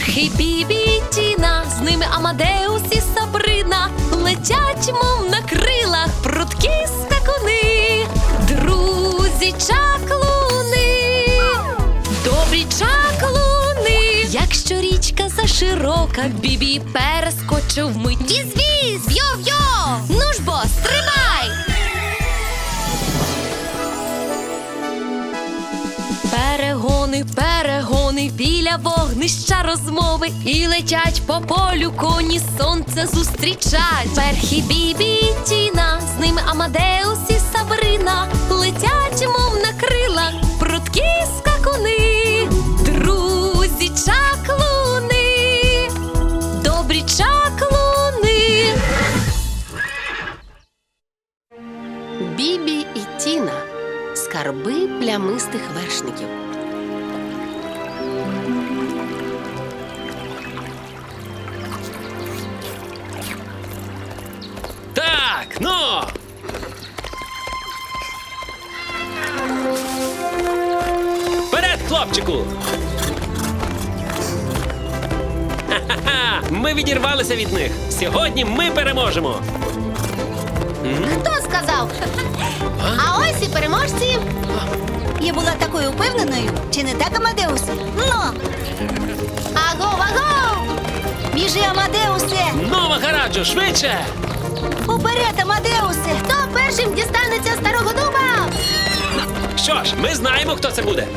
Перхий, Бібі і Тіна, з ними Амадеус і Сабрина, летять, мов на крилах, прудкі скакуни, друзі чаклуни, добрі чаклуни. Якщо річка заширока, Бібі перескочив вмить. Віз-віз, йо-йо, ну ж бо, стрибай! Перегони, перегони, біля вогнища розмови, і летять по полю коні, сонце зустрічать. Перхі, Бібі і Тіна, з ними Амадеус і Сабрина, летять, мов на крилах, прудкі скакуни, друзі чаклуни, добрі чаклуни. Бібі і Тіна. Скарби плямистих вершників. Так, ну! Вперед, хлопчику! Ха-ха-ха! Ми відірвалися від них. Сьогодні ми переможемо. Хто сказав? А ось і переможці. Я була такою впевненою. Чи не так, Амадеус? Ну! Агов, агов! Біжи, Амадеусе! Ну, Махараджо, швидше! Уперед, Амадеусе! Хто першим дістанеться старого дуба? Що ж, ми знаємо, хто це буде.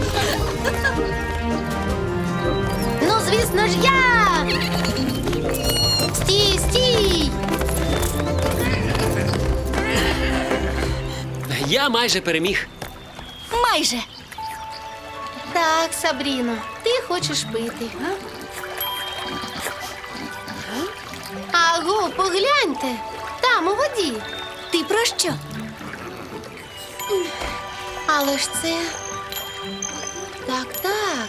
Ну, звісно ж, я! Стій, стій! Я майже переміг. Майже! Так, Сабріно, ти хочеш пити. Аго, погляньте! Там, у воді. Ти про що? Але ж це... Так.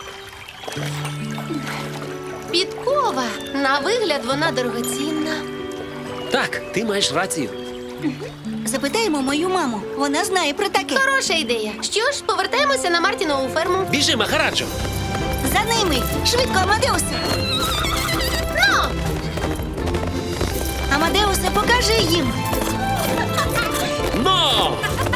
Підкова. На вигляд вона дорогоцінна. Так, ти маєш рацію. Запитаємо мою маму. Вона знає про таке. Хороша ідея. Що ж, повертаємося на Мартінову ферму. Біжи, Махараджо! За ними! Швидко, Амадеусе! Ну! Амадеусе, покажи їм! Ну!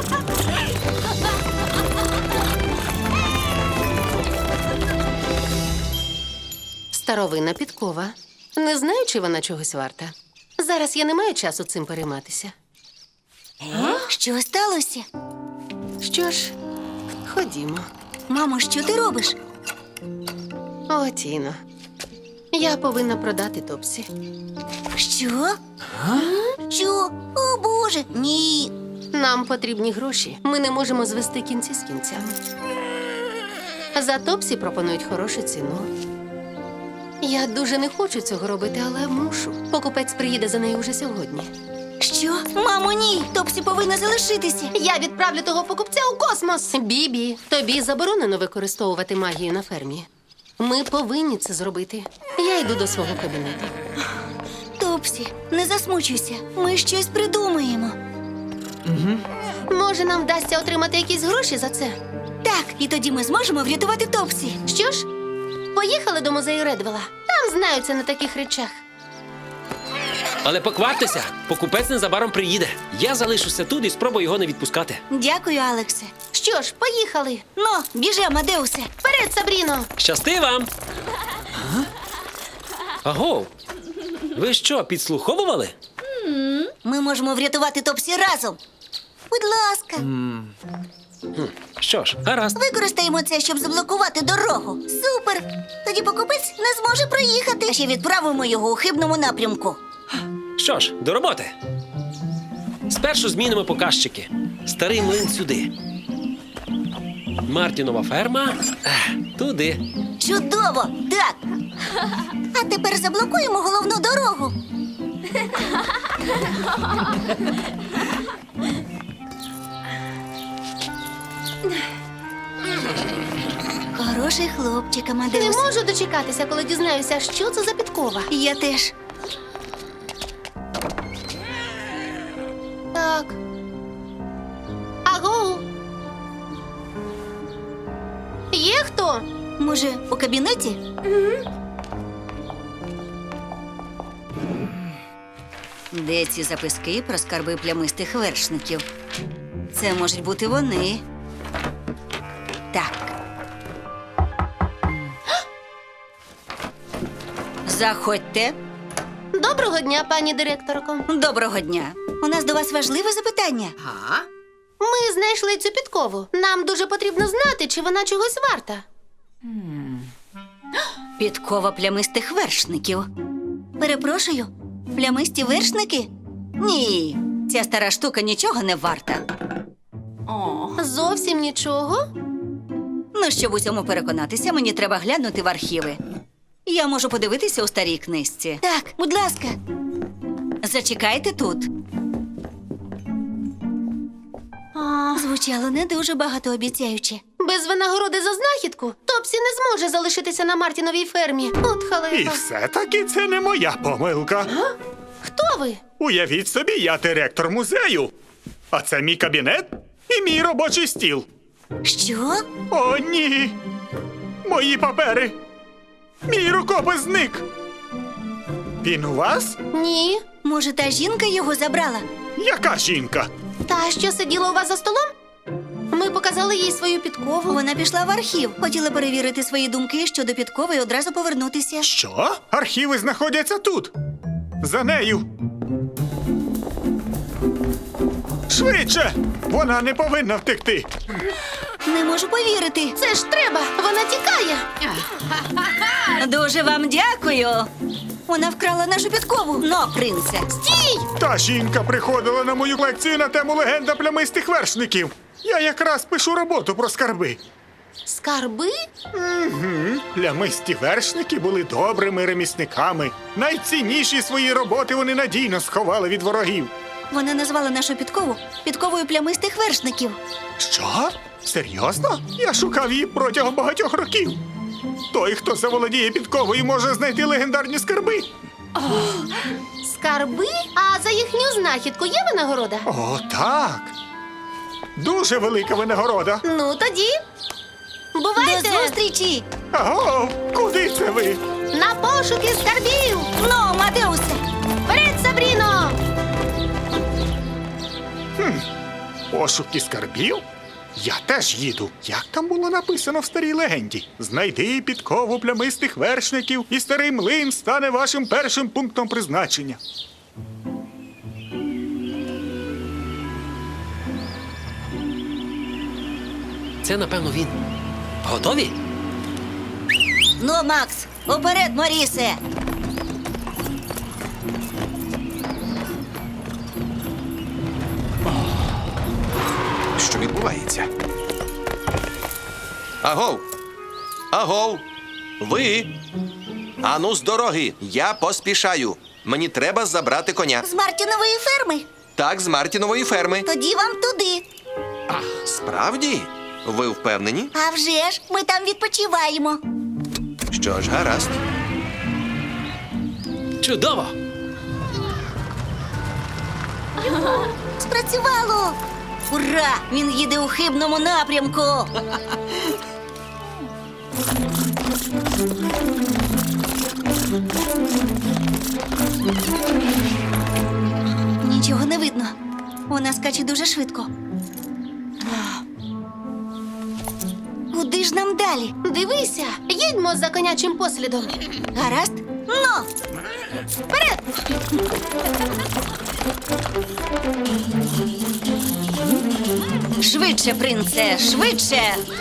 Старовинна підкова. Не знаю, чи вона чогось варта. Зараз я не маю часу цим перейматися. Що сталося? Що ж, ходімо. Мамо, що ти робиш? О, Тіно. Я повинна продати Топсі. Що? Що? О, Боже! Ні! Нам потрібні гроші. Ми не можемо звести кінці з кінцями. За Топсі пропонують хорошу ціну. Я дуже не хочу цього робити, але мушу. Покупець приїде за нею уже сьогодні. Що? Мамо, ні! Топсі повинна залишитися. Я відправлю того покупця у космос. Бібі, тобі заборонено використовувати магію на фермі. Ми повинні це зробити. Я йду до свого кабінету. Топсі, не засмучуйся. Ми щось придумаємо. Може, нам вдасться отримати якісь гроші за це? Так, і тоді ми зможемо врятувати Топсі. Що ж, поїхали до музею Редвелла. Там знаються на таких речах. Але покваптеся, покупець незабаром приїде. Я залишуся тут і спробую його не відпускати. Дякую, Алексе. Що ж, поїхали. Ну, біжи, Амадеусе. Вперед, Сабріно! Щасти вам! Агов! Ви що, підслуховували? Ми можемо врятувати Топсі разом. Будь ласка, Що ж, гаразд. використаємо це, щоб заблокувати дорогу. Супер! Тоді покупець не зможе проїхати. А ще відправимо його у хибному напрямку. Що ж, до роботи. Спершу змінимо показчики. Старий млин сюди. Мартінова ферма туди. Чудово! Так! А тепер заблокуємо головну дорогу. Хороший хлопчик, Не Амадеус. можу дочекатися, коли дізнаюся, що це за підкова. Я теж. Так. Агоу! Є хто? Може, у кабінеті? Де ці записки про скарби плямистих вершників? Це можуть бути вони. Так. Заходьте. Доброго дня, пані директорко. Доброго дня. У нас до вас важливе запитання. Ми знайшли цю підкову. Нам дуже потрібно знати, чи вона чогось варта. Підкова плямистих вершників. Перепрошую, плямисті вершники? Ні, ця стара штука нічого не варта. Зовсім нічого. Ну, щоб у цьому переконатися, мені треба глянути в архіви. Я можу подивитися у старій книжці. Так, будь ласка. Зачекайте тут. Звучало не дуже багатообіцяюче. Без винагороди за знахідку Топсі не зможе залишитися на Мартіновій фермі. От І халепа. все-таки це не моя помилка. Хто ви? Уявіть собі, я директор музею. А це мій кабінет і мій робочий стіл. Що? О, ні. Мої папери. Мій рукопис зник. Він у вас? Ні. Може, та жінка його забрала? Яка жінка? Та, що сиділа у вас за столом? Ми показали їй свою підкову. Вона пішла в архів. Хотіла перевірити свої думки щодо підкови і одразу повернутися. Що? Архіви знаходяться тут. За нею. Швидше! Вона не повинна втекти. Не можу повірити. Це ж треба! Вона тікає! Дуже вам дякую. Вона вкрала нашу підкову. Но, принце. Стій! Та жінка приходила на мою лекцію на тему легенда плямистих вершників. Я якраз пишу роботу про скарби. Скарби? Плямисті вершники були добрими ремісниками. Найцінніші свої роботи вони надійно сховали від ворогів. Вона назвала нашу підкову підковою плямистих вершників. Що? Серйозно? Я шукав її протягом багатьох років. Той, хто заволодіє підковою, може знайти легендарні скарби. Скарби? А за їхню знахідку є винагорода? О, так. Дуже велика винагорода. Ну тоді. До Бувайте! зустрічі! Аго, куди це ви? На пошуки скарбів! Ну, Мадеусе! Вперед, Сабріно! Пошуки скарбів? Я теж їду. Як там було написано в старій легенді? Знайди підкову плямистих вершників, і старий млин стане вашим першим пунктом призначення. Це, напевно, він. Готові? Ну, Макс, уперед, Морісе! Що відбувається? Агов! Агов! Ви! Ану з дороги! Я поспішаю. Мені треба забрати коня. З Мартінової ферми. Так, з Мартінової ферми. Тоді вам туди. Справді? Ви впевнені? А вже ж, ми там відпочиваємо. Що ж, гаразд. Чудово! Спрацювало! Ура! Він їде у хибному напрямку. Нічого не видно. Вона скаче дуже швидко. Куди ж нам далі? Дивися, їдьмо за конячим послідом. Гаразд? Ну! Вперед! Швидше, принце, швидше!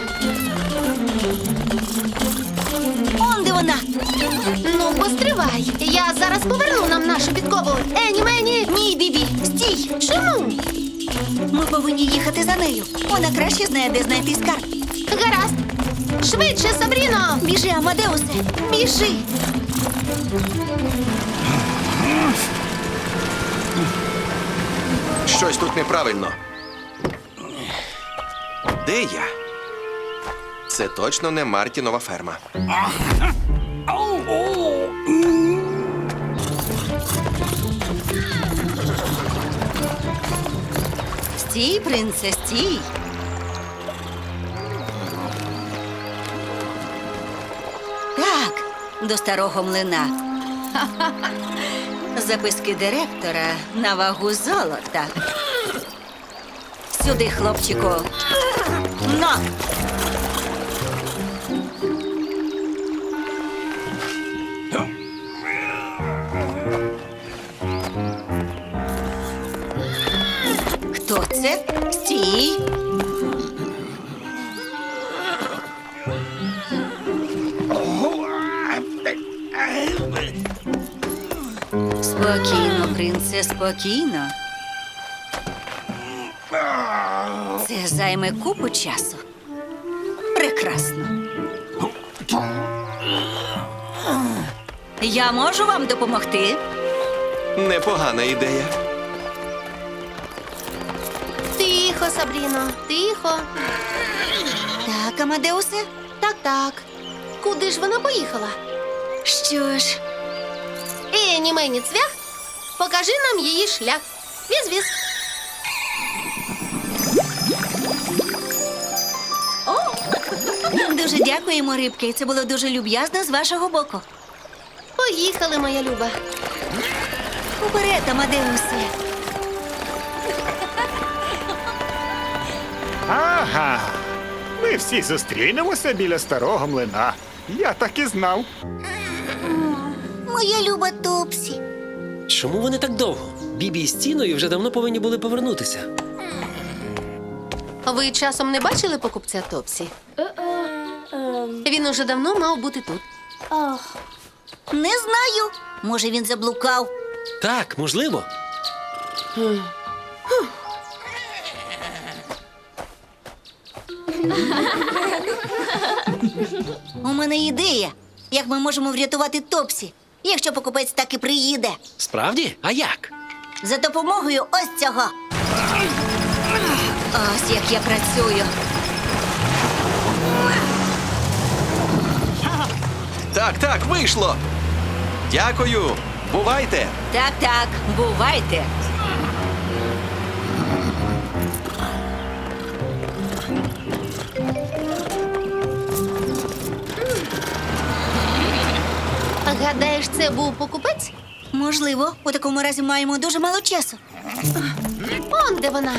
Он де вона? Ну, постривай. Я зараз поверну нам нашу підкову. Ені мені! Ні, Бібі, стій! Чому? Ми повинні їхати за нею. Вона краще знає, де знайти скарб. Гаразд. Швидше, Сабріно! Біжи, Амадеусе, біжи! Щось тут неправильно. Де я? Це точно не Мартінова ферма. Стій, принце, стій! Так, до старого млина. Записки директора на вагу золота. Сюди, хлопчику. На! Хто це? Стій! Спокійно, принце, спокійно. Це займе купу часу. Прекрасно. Я можу вам допомогти? Непогана ідея. Тихо, Сабріно, тихо. Так, Амадеусе? Так. Куди ж вона поїхала? Що ж, Ені мені цвях, покажи нам її шлях. Віз-віз. дуже дякуємо, рибки. Це було дуже люб'язно з вашого боку. Поїхали, моя люба. Уперед, Амадеусе. Ага. Ми всі зустрінемося біля старого млина. Я так і знав. Моя люба Топсі. Чому вони так довго? Бібі з Тіною вже давно повинні були повернутися. Ви часом не бачили покупця Топсі? Він уже давно мав бути тут. Не знаю. Може, він заблукав. Так, можливо. У мене ідея, як ми можемо врятувати Топсі, якщо покупець так і приїде. Справді? А як? За допомогою ось цього. Ось як я працюю. Так, вийшло. Дякую. Бувайте. Так, бувайте. Гадаєш, це був покупець? Можливо, у такому разі маємо дуже мало часу. Он де вона.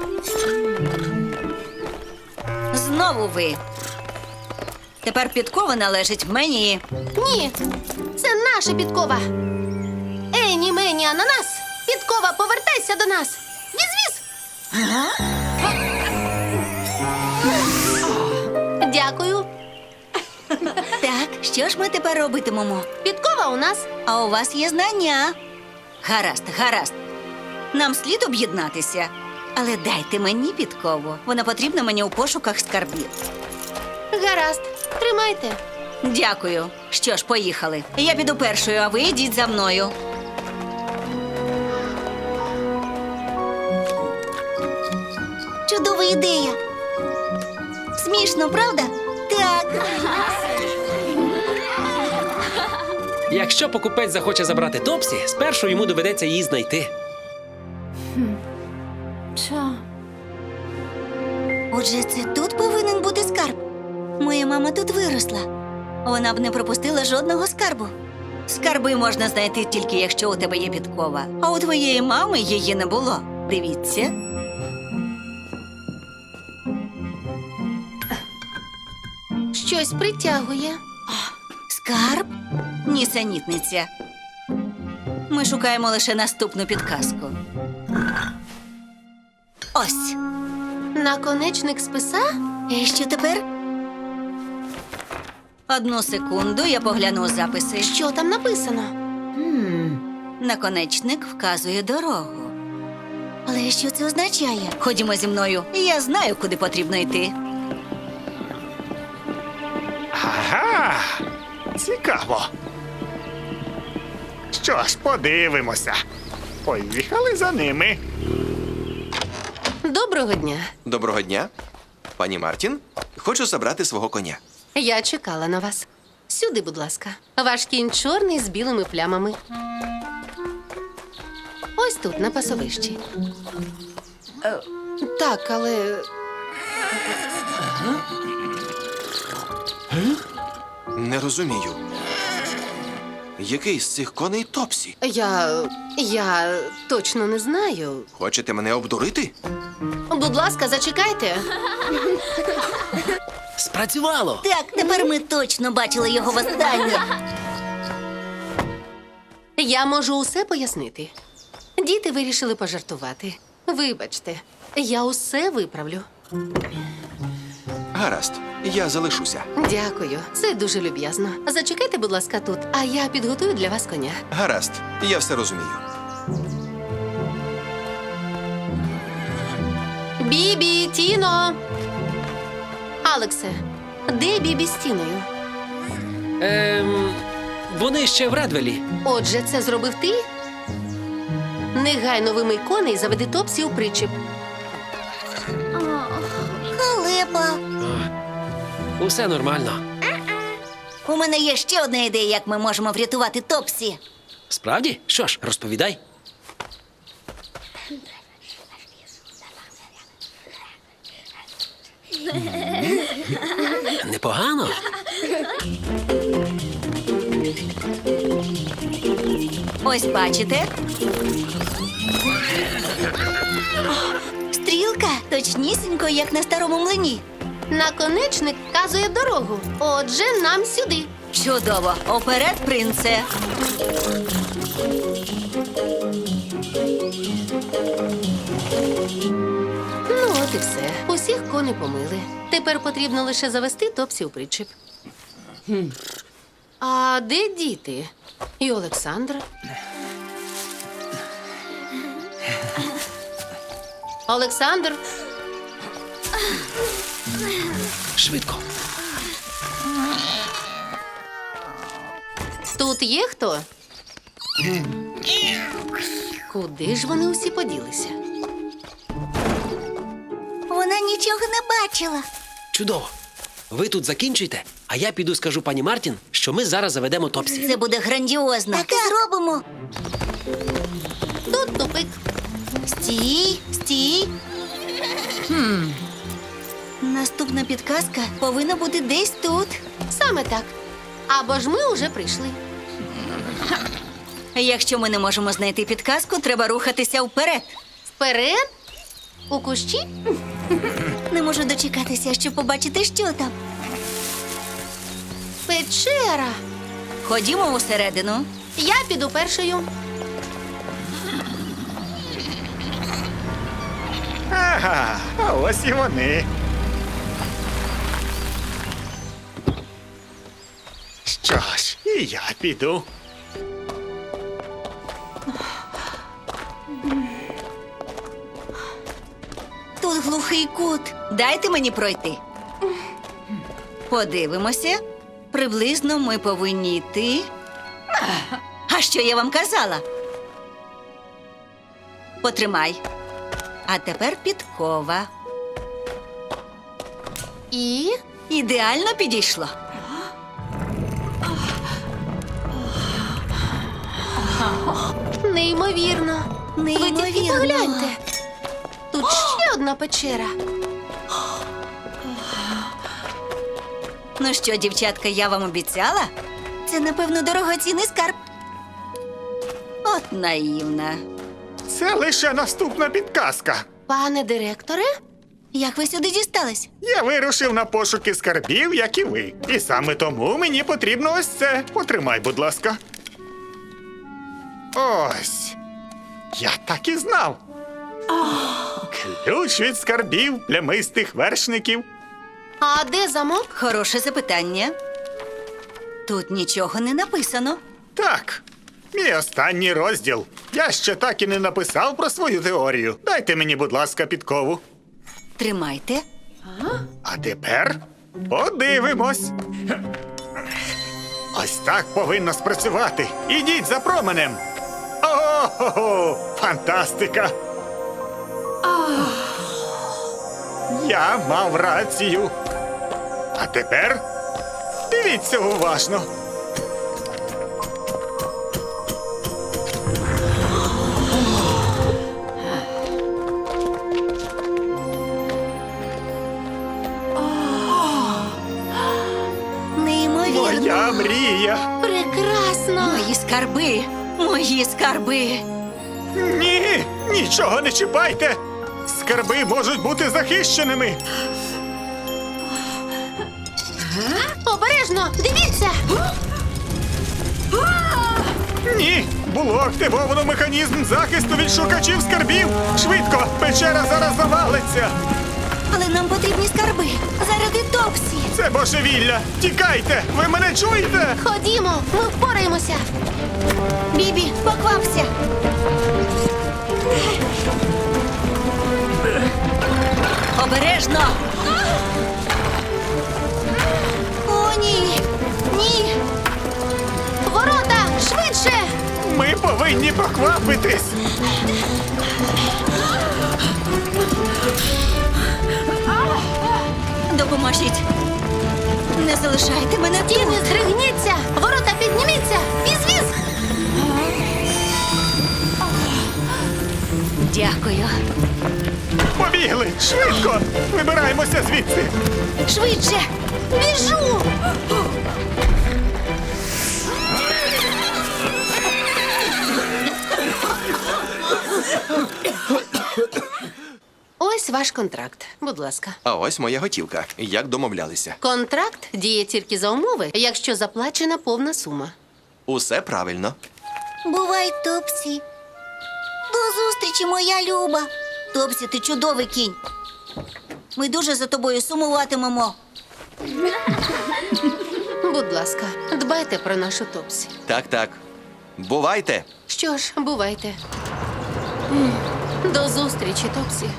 Знову ви. Тепер підкова належить мені. Ні, це наша підкова. Ені, мені, ананас. Підкова, повертайся до нас. Віз-віз. Дякую. Так, що ж ми тепер робитимемо? Підкова у нас. А у вас є знання. Гаразд. Нам слід об'єднатися. Але дайте мені підкову. Вона потрібна мені у пошуках скарбів. Гаразд. Тримайте. Дякую. Що ж, поїхали. Я піду першою, а ви йдіть за мною. Чудова ідея. Смішно, правда? Так. Якщо покупець захоче забрати Топсі, спершу йому доведеться її знайти. Отже, це тут повинен бути скарб. Моя мама тут виросла. Вона б не пропустила жодного скарбу. Скарби можна знайти тільки якщо у тебе є підкова. А у твоєї мами її не було. Дивіться. Щось притягує. Скарб? Нісенітниця. Ми шукаємо лише наступну підказку. Ось. Наконечник списа? І що тепер? Одну секунду, я погляну записи. Що там написано? Наконечник вказує дорогу. Але що це означає? Ходімо зі мною. Я знаю, куди потрібно йти. Ага. Цікаво. Що ж, подивимося. Поїхали за ними. Доброго дня. Доброго дня. Пані Мартін, хочу забрати свого коня. Я чекала на вас. Сюди, будь ласка. Ваш кінь чорний з білими плямами. Ось тут, на пасовищі. Так, але Не розумію. Який з цих коней Топсі? Я точно не знаю. Хочете мене обдурити? Будь ласка, зачекайте. Спрацювало! Так, тепер ми точно бачили його востаннє. Я можу усе пояснити. Діти вирішили пожартувати. Вибачте, я усе виправлю. Гаразд, я залишуся. Дякую, це дуже люб'язно. Зачекайте, будь ласка, тут, а я підготую для вас коня. Гаразд, я все розумію. Бібі, Тіно! Алексе, де Бібі з Тіною? Вони ще в Редвелі. Отже, це зробив ти? Негайно вимий коней і заведи Топсі у причіп. Халепа. Усе нормально. У мене є ще одна ідея, як ми можемо врятувати Топсі. Справді? Що ж, розповідай. Непогано. Ось бачите? Стрілка точнісінько, як на старому млині. Наконечник вказує дорогу. Отже, нам сюди. Чудово! Оперед, принце! Ну, от і все. Усіх коней помили. Тепер потрібно лише завести Топсі у причіп. А де діти? І Олександра? Олександр, Швидко. тут є хто? Куди ж вони усі поділися? Вона нічого не бачила. Чудово. Ви тут закінчуйте, а я піду скажу пані Мартін, що ми зараз заведемо Топсі. Це буде грандіозно. Так і зробимо. Тут тупик. Стій, стій. Наступна підказка повинна бути десь тут. Саме так. Або ж ми уже прийшли. Якщо ми не можемо знайти підказку, треба рухатися вперед. Вперед? У кущі? Не можу дочекатися, щоб побачити, що там. Печера. Ходімо усередину. Я піду першою. Ага, а ось і вони. Що ж, і я піду. Тут глухий кут. Дайте мені пройти. Подивимося. Приблизно ми повинні йти. А що я вам казала? Потримай. А тепер підкова. І Ідеально підійшло. неймовірно. Ви тільки Неймовірно. погляньте. Тут ще одна печера. Ну що, дівчатка, я вам обіцяла? Це, напевно, дорогоцінний скарб. От наївна. Це лише наступна підказка. Пане директоре, Як ви сюди дістались? Я вирушив на пошуки скарбів, як і ви. І саме тому мені потрібно ось це. Потримай, будь ласка. Ось. Я так і знав. Ключ від скарбів плямистих вершників. а де замок? Хороше запитання. Тут нічого не написано. Так, мій останній розділ. Я ще так і не написав про свою теорію. Дайте мені, будь ласка, підкову. Тримайте. А тепер подивимось. Ось так повинно спрацювати. Ідіть за променем. О-хо-хо! Фантастика! Я мав рацію. А тепер дивіться уважно. Неймовірно. Моя мрія. Прекрасно. Прекрасно! Мої скарби! Мої скарби! Ні, нічого не чіпайте. Скарби можуть бути захищеними. Обережно! Дивіться! Ні, було активовано механізм захисту від шукачів скарбів. Швидко, печера зараз завалиться. Але нам потрібні скарби заради Топсі. Це божевілля. Тікайте! Ви мене чуєте? Ходімо, ми впораємося! Бібі, поквапся! Обережно! О, ні! Ні! Ворота! Швидше! Ми повинні поквапитись. Допоможіть! Не залишайте мене тут! Тіні, здригніться! Ворота підніміться! Віз-віз! Дякую! Побігли! Швидко! Вибираємося звідси! Швидше! Біжу! Ось ваш контракт. Будь ласка. А ось моя готівка. Як домовлялися. Контракт діє тільки за умови, якщо заплачена повна сума. Усе правильно. Бувай, Топсі! До зустрічі, моя Люба! Топсі, ти чудовий кінь! Ми дуже за тобою сумуватимемо. Будь ласка, дбайте про нашу Топсі. Так. Бувайте! Що ж, бувайте. До зустрічі, Топсі.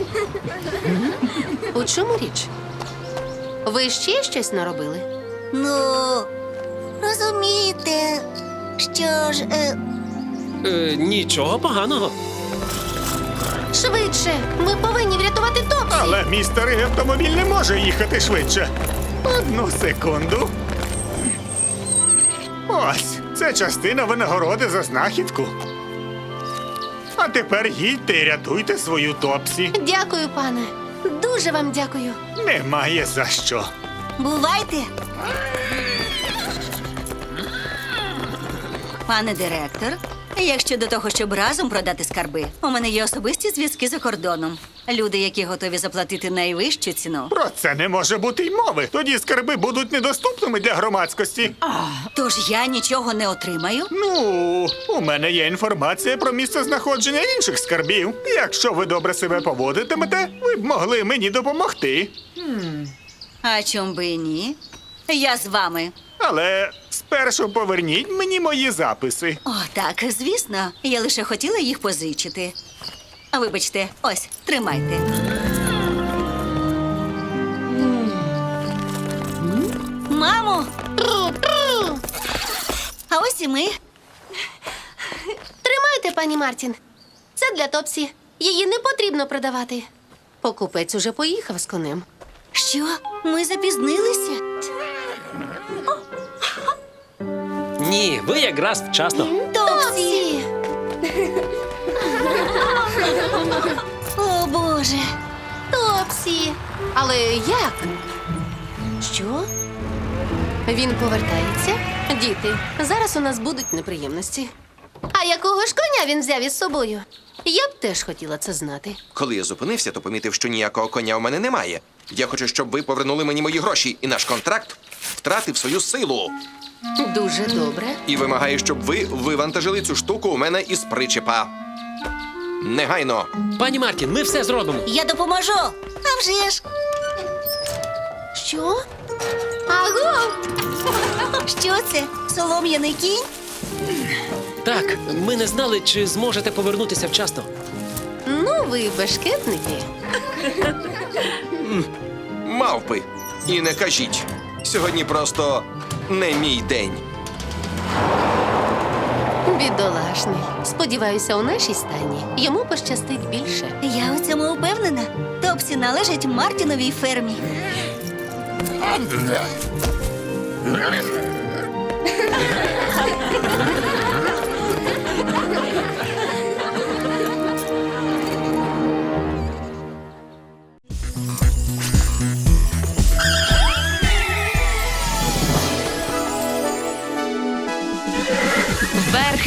У чому річ? Ви ще щось наробили? Ну, розумієте, що ж, Нічого поганого. Швидше! Ми повинні врятувати Топсі! Але мій старий автомобіль не може їхати швидше. Одну секунду. Ось, це частина винагороди за знахідку. А тепер їдьте і рятуйте свою Топсі. Дякую, пане. Дуже вам дякую. Немає за що. бувайте! Пане директор, як щодо того, щоб разом продати скарби, у мене є особисті зв'язки за кордоном. Люди, які готові заплатити найвищу ціну. Про це не може бути й мови. Тоді скарби будуть недоступними для громадськості. Тож я нічого не отримаю. Ну, у мене є інформація про місце знаходження інших скарбів. Якщо ви добре себе поводитимете, ви б могли мені допомогти. А чом би і ні? Я з вами. Але спершу поверніть мені мої записи. О, так, звісно. Я лише хотіла їх позичити. А вибачте, ось, тримайте. Мамо! А ось і ми. Тримайте, пані Мартін. Це для Топсі. Її не потрібно продавати. Покупець уже поїхав з конем. Що? Ми запізнилися? Ні, ви якраз вчасно. Топсі! О, Боже! Топсі! Але як? Що? Він повертається? Діти, зараз у нас будуть неприємності. А якого ж коня він взяв із собою? Я б теж хотіла це знати. Коли я зупинився, то помітив, що ніякого коня у мене немає. Я хочу, щоб ви повернули мені мої гроші, і наш контракт втратив свою силу. Дуже добре. І вимагаю, щоб ви вивантажили цю штуку у мене із причепа. Негайно. Пані Мартін, ми все зробимо. Я допоможу! А вже ж! Що? Аго! Що це? Солом'яний кінь? Так, ми не знали, чи зможете повернутися вчасно. Ну, ви бешкетники. Мавпи. І не кажіть. Сьогодні просто не мій день. Бідолашний. Сподіваюся, у нашій стайні йому пощастить більше. Я у цьому упевнена. Топсі належить Мартіновій фермі.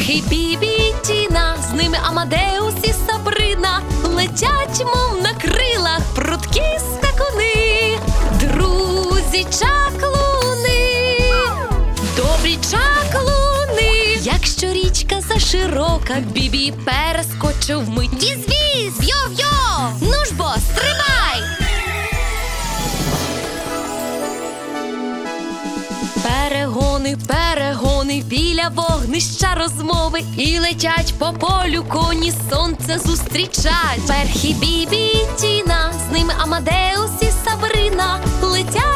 Перхі, Бібі, Тіна, з ними Амадеус і Сабрина. Летять, мов на крилах, прудкі скакуни. Друзі чаклуни, добрі чаклуни. Якщо річка заширока, Бібі перескочив вмить. Віз-віз, йо-йо, ну ж бо, стрибай! Перегони, перегони, біля вогнища розмови. І летять по полю коні, сонце зустрічать. Перхі, Бібі, Тіна, з ними Амадеус і Сабрина. Летять